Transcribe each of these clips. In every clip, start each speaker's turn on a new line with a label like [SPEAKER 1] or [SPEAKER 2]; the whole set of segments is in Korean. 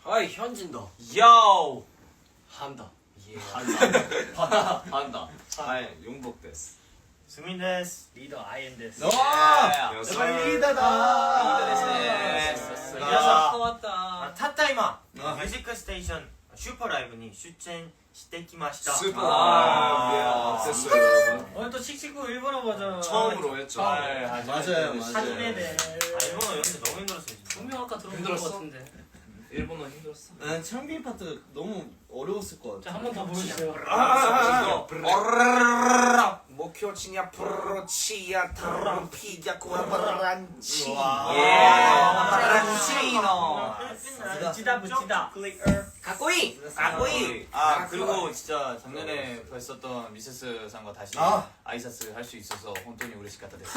[SPEAKER 1] 아이 현진도.
[SPEAKER 2] 요.
[SPEAKER 1] 한다. 예.
[SPEAKER 2] 한다. 아이 용복 데스.
[SPEAKER 3] 수민 데스. 리더 아이엔 데스.
[SPEAKER 2] 와.
[SPEAKER 3] 리더다.
[SPEAKER 2] 데스.
[SPEAKER 1] 야, 왔다.
[SPEAKER 3] たった今ミュージックステーションシューパーライブに出演してきました。
[SPEAKER 2] 슈퍼. 어땠어요, 여러분?
[SPEAKER 1] 오늘 또 칙칙구 일본어 버전.
[SPEAKER 2] 처음으로 했죠.
[SPEAKER 4] 맞아요.
[SPEAKER 3] 하지메데. 일본어 연습 너무 힘들었어요. 진짜.
[SPEAKER 1] 분명 아까 들어본 것
[SPEAKER 2] 힘들었어?
[SPEAKER 1] 같은데.
[SPEAKER 2] 일본어 힘들었어.
[SPEAKER 4] 난 창빈 파트 너무 어려웠을 것 같아.
[SPEAKER 1] 자, 한 번 더 보여주세요.
[SPEAKER 2] 목표치냐 프로치야 트럼피야 쿠라바란치.
[SPEAKER 1] 브라치노. 붙이다 붙이다. 가꼬이. 가꼬이.
[SPEAKER 2] 아 그리고 진짜 작년에 뵀었던 미세스 상과 다시 아이사스 할 수 있어서 혼돈이 우레시카타 데스.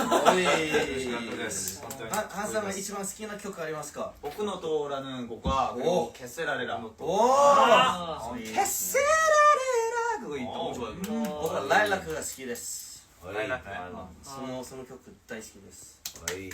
[SPEAKER 4] ハンさんが一番好きな曲ありますか？
[SPEAKER 2] 보쿠노토라는 곡과 그리고 캐세라레라.
[SPEAKER 1] 아,
[SPEAKER 2] 캐세라레라 그거 너무 좋아요.
[SPEAKER 4] 僕はライラックが好きです。
[SPEAKER 2] ライラック.
[SPEAKER 4] その曲大好きです。
[SPEAKER 1] 네.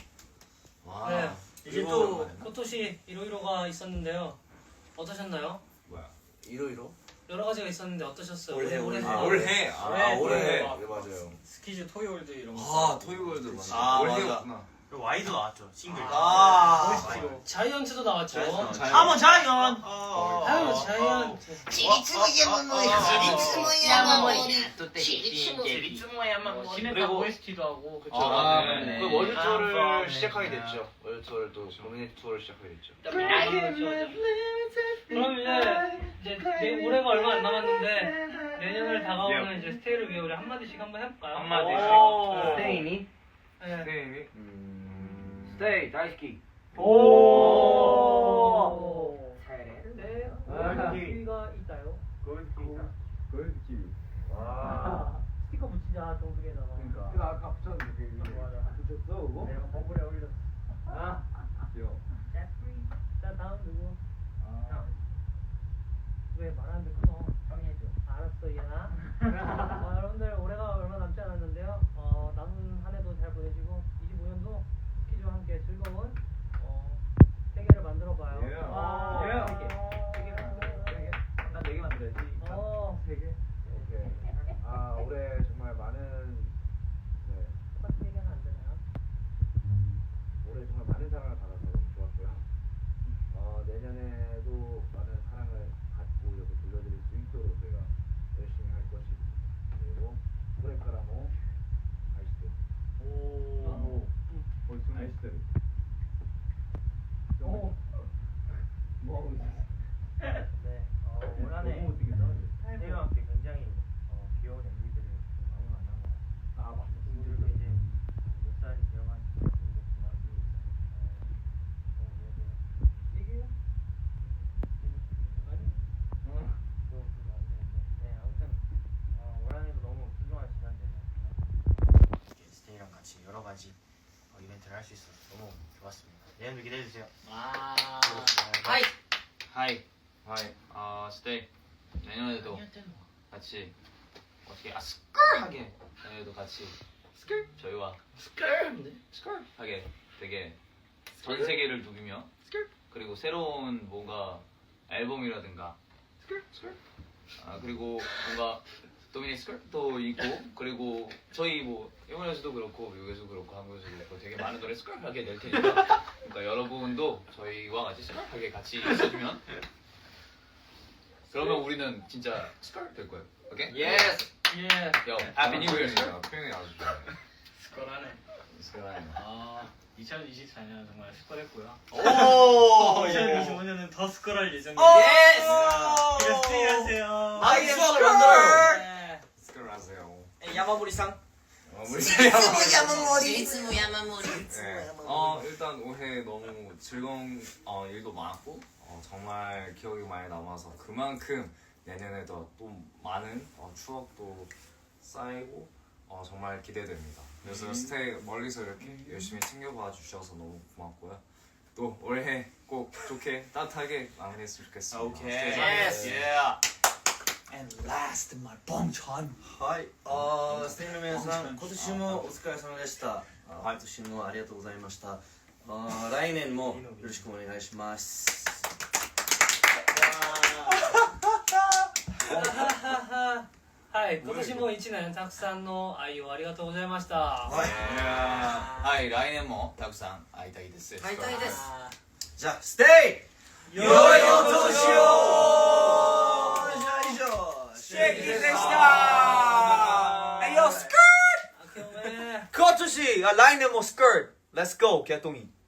[SPEAKER 1] 이제
[SPEAKER 2] 그리고
[SPEAKER 1] 또 포토시 이로이로가 있었는데요. 어떠셨나요?
[SPEAKER 2] 뭐야?
[SPEAKER 4] 이로이로?
[SPEAKER 1] 여러 가지가 있었는데 어떠셨어요?
[SPEAKER 4] 올해.
[SPEAKER 2] 올해.
[SPEAKER 1] 올해.
[SPEAKER 2] 올해.
[SPEAKER 1] 네,
[SPEAKER 2] 맞아요.
[SPEAKER 1] 스키즈 토이월드 이런 거.
[SPEAKER 2] 아 토이월드 맞아. 올해였구나.
[SPEAKER 3] 그리고 와이도 나왔죠. 싱글.
[SPEAKER 1] 자이언트도 나왔죠.
[SPEAKER 3] 아머 자이언.
[SPEAKER 1] 자이언트.
[SPEAKER 5] ちりつも山盛りちりつも山盛りちりつも
[SPEAKER 1] 시네타 OST도 하고. 그쵸.
[SPEAKER 2] 네.
[SPEAKER 6] 그 월드 투어를 시작하게 됐죠. 월드 투어를 또 도미네이트 투어를 시작하게 됐죠.
[SPEAKER 1] 그럼 이제 올해가 얼마 안 남았는데 내년을 다가오는 이제 스테이를 위해 우리 한마디씩 한번 해볼까요?
[SPEAKER 6] 한마디씩.
[SPEAKER 1] 스테이니? 네.
[SPEAKER 6] 스테이. 스테이 다이스키.
[SPEAKER 1] 오. 네. 골드키가 있다요?
[SPEAKER 6] 골드키.
[SPEAKER 1] 스티커 붙이자 동숙에다가.
[SPEAKER 6] 그러니까. 아까 붙였는데
[SPEAKER 1] 맞아.
[SPEAKER 6] 붙였어 그거?
[SPEAKER 1] 내가 버블에 올렸어.
[SPEAKER 6] 귀여워.
[SPEAKER 1] 자 다음 누구?
[SPEAKER 6] 아.
[SPEAKER 1] 왜 말하는데 끊어? 형이 해줘. 알았어 얘나. 여러분들 올해가 얼마 남지 않았는데요. 남은 한 해도 잘 보내시고 25년도 스키즈와 함께 즐거운 세계를 만들어봐요.
[SPEAKER 6] 예. 난 4개 만들어야지. 3개? 오케이. 올해 정말 많은
[SPEAKER 1] 똑같은 얘기하면 안 되나요?
[SPEAKER 6] 올해 정말 많은 사랑을 받아서 너무 좋았고요. 내년에도 많은 사랑을 받고 이렇게 돌려드릴 수 있도록 저희가 열심히 할 것이고, 그리고 코레카라모 아이시대. 아이시대. 뭐 하고 있어?
[SPEAKER 3] 네. 올 한해
[SPEAKER 6] 너무 못생겼다.
[SPEAKER 3] 태희와 함께 굉장히 귀여운 MV들을 많이 만난 것 같아요.
[SPEAKER 6] 맞다.
[SPEAKER 3] 친구들도 이제 몇 살이 되어가는지 모르겠지만
[SPEAKER 1] 얘기해요?
[SPEAKER 3] 네, 아무튼 올 한해도 너무 소중한 시간 되네요. 스테이랑 같이 여러 가지 이벤트를 할 수 있어서 너무 좋았습니다. 내년도 기대해 주세요.
[SPEAKER 1] 하이.
[SPEAKER 2] 하이. 스테이. 내년에도 같이 어떻게 스컬하게 내년에도 같이 저희와 스컬하게 되게 전 세계를 누비며 그리고 새로운 뭔가 앨범이라든가 그리고 뭔가 도미네이트 스컬도 있고 그리고 저희 뭐 일본에서도 그렇고 미국에서도 그렇고 한국에서도 그렇고 되게 많은 노래 스컬하게 낼 테니까 그러니까 여러분도 저희와 같이 스컬하게 같이 있어주면 그러면 우리는 진짜 스컬 될 거예요. 오케이?
[SPEAKER 1] 예스. 예.
[SPEAKER 2] 요, 해피 뉴 이어.
[SPEAKER 6] 표현이 아주 좋아요.
[SPEAKER 1] 스컬하네.
[SPEAKER 2] 스컬하네.
[SPEAKER 1] 2024년 정말 스컬했고요.
[SPEAKER 2] 오!
[SPEAKER 1] 2025년은 더 스컬할 예정입니다.
[SPEAKER 2] 예스!
[SPEAKER 1] 그래 스테이 하세요.
[SPEAKER 4] 아이 수학을 만들어요.
[SPEAKER 6] 스컬 하세요.
[SPEAKER 4] 야마모리상.
[SPEAKER 5] ちりつも山盛り
[SPEAKER 7] 일단 올해 너무 즐거운 일도 많았고 정말 기억이 많이 남아서 그만큼 내년에도 또 많은 추억도 쌓이고 정말 기대됩니다. 그래서 스테이 멀리서 이렇게 열심히 챙겨봐 주셔서 너무 고맙고요. 또 올해 꼭 좋게 따뜻하게 마무리했으면 좋겠습니다.
[SPEAKER 2] 오케이.
[SPEAKER 7] 예스.
[SPEAKER 2] And last, my 봉천.
[SPEAKER 4] はい。ステイの皆さん、今年もお疲れ様でした。今年もありがとうございました。来年もよろしくお願いします。
[SPEAKER 1] はい、今年も1年たくさんの愛をありがとうございました。
[SPEAKER 2] はい、来年もたくさん会いたいです。
[SPEAKER 5] 会いたいです。
[SPEAKER 4] じゃあステイ良いお年を。じゃあ以上シェキでした。はいよスクー
[SPEAKER 1] 明けおめ。
[SPEAKER 4] 今年来年もスクート Let's go ケトミン